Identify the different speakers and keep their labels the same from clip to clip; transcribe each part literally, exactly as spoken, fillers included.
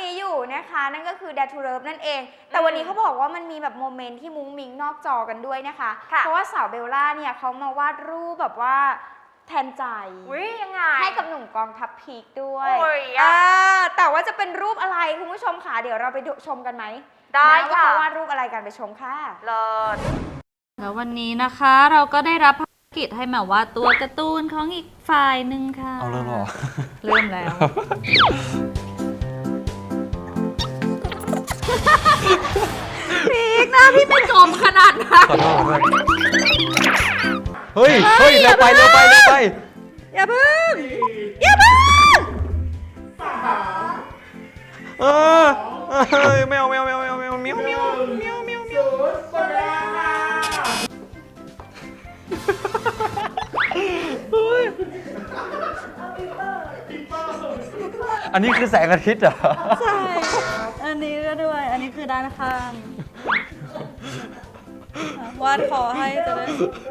Speaker 1: นี้อยู่นะคะนั่นก็คือ Dare to Love นั่นเองแต่วันนี้เขาบอกว่ามันมีแบบโมเมนต์ที่มุ้งมิ้งนอกจอกันด้วยนะคะเพราะว่าสาวเบลล่าเนี่ยเขามาวาดรูปแบบว่าแทนใจ
Speaker 2: ยังไง
Speaker 1: ให้กับหนุ่มกองทัพพีคด้วย
Speaker 2: อ่า
Speaker 1: แต่ว่าจะเป็นรูปอะไรคุณผู้ชมค่ะเดี๋ยวเราไปชมกันไหม
Speaker 2: ได้
Speaker 1: ค่ะว่าเขาวาดรูปอะไรกันไปชมค่ะ
Speaker 2: เลิศ
Speaker 3: แล้ววันนี้นะคะเราก็ได้รับภารกิจให้แมววาดตัวการ์ตูนของอีกฝ่ายหนึ่งค่ะ
Speaker 4: เอาเลยหรอ
Speaker 3: เริ่มแล้วพีกนะพี่ไม่จมขนาดนั้น
Speaker 4: ขอโทษขอโทษเฮ้ยเฮ้ยเร็วไปเร็วไปเร็วไป
Speaker 3: อย่าเพิ่งอย่าเพิ่ง
Speaker 4: เออเฮ้ยแมวแมวแมวแมวแมวเมียวเมียวเมียวเมียวเมียวอันนี้คือแสงอาทิตย์เหรอ
Speaker 3: ใช่อันนี้ก็ด้วยอันนี้คือด้านข้างวาดคอให้จะได้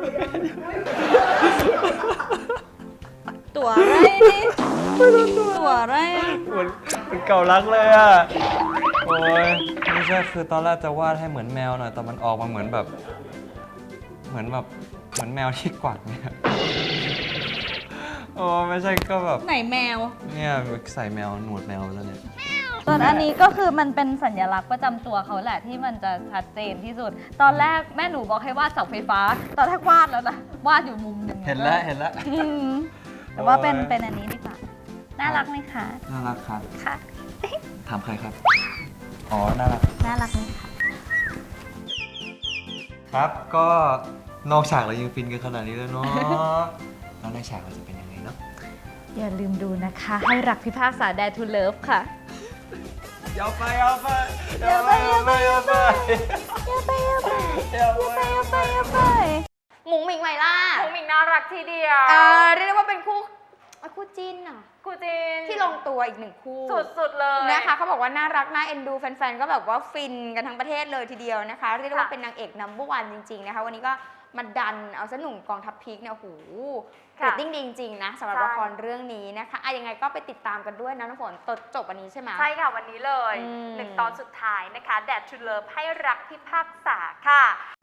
Speaker 3: ตัวอะไรนี่ตัวอะไร
Speaker 4: เหมือนเป็นเก่ารักเลยอ่ะโอ้ยไม่ใช่คือตอนแรกจะวาดให้เหมือนแมวหน่อยแต่มันออกมาเหมือนแบบเหมือนแบบเหมือนแมวที่กวักเนี่ยโอ้ไม่ใช่ก็แบบ
Speaker 3: ไหนแมว
Speaker 4: เนี่ยใส่แมวหนวดแมวแล้วเนี่ย
Speaker 3: ตอนอันนี้ก็คือมันเป็นสัญลักษณ์ประจำตัวเขาแหละที่มันจะชัดเจนที่สุดตอนแรกแม่หนูบอกให้วาดเสาไฟฟ้าตอนแรกวาดแล้วนะวาดอยู่มุมหนึ่ง
Speaker 4: เห็นแล้วเห็นแล้ว
Speaker 3: แต่ว่าเป็นเป็นอันนี้ดีกว่าน่ารักไหมคะ
Speaker 4: น่ารักครับ
Speaker 3: ค่ะ
Speaker 4: ถามใครครับอ๋อน่ารัก
Speaker 3: น่ารักไหมคะ
Speaker 4: ครับก็นอกฉากเรายังฟินกันขนาดนี้แล้วเนาะแล้วในฉากเราจะเป็นยังไงเนาะ
Speaker 3: อย่าลืมดูนะคะให้รักพิพากษา Dare to Love ค่ะ
Speaker 4: อย่าไปอย่าไปอย่าไปอย่าไปอย่าไป
Speaker 3: อย่าไปอย่าไป
Speaker 4: อย่าไปอย่าไปอย่าไป
Speaker 1: มุ้งมิ้งไหมล่ะ
Speaker 2: มุ้งมิ้งน่ารักทีเดียว
Speaker 1: เออเรียกได้ว่าเป็นคู่คู่จิ้นอะ
Speaker 2: คู่จิ้น
Speaker 1: ที่ลงตัวอีกหนึ่งคู่
Speaker 2: สุดๆเลย
Speaker 1: นะคะเขาบอกว่าน่ารักน่าเอ็นดูแฟนๆก็แบบว่าฟินกันทั้งประเทศเลยทีเดียวนะคะเรียกได้ว่าเป็นนางเอกนัมเบอร์วันจริงๆนะคะวันนี้ก็มาดันเอาซะหนุ่มกองทัพพีคเนี่ยโอ้โหเรตติ้งดีจริงๆนะสำหรับละครเรื่องนี้นะคะอะยังไงก็ไปติดตามกันด้วยนะน้ำฝนตอนจบวันนี้ใช่ไหม
Speaker 2: ใช่ค่ะวันนี้เลยหนึ่งตอนสุดท้ายนะคะ Dare to Love ให้รักพิพากษาค่ะ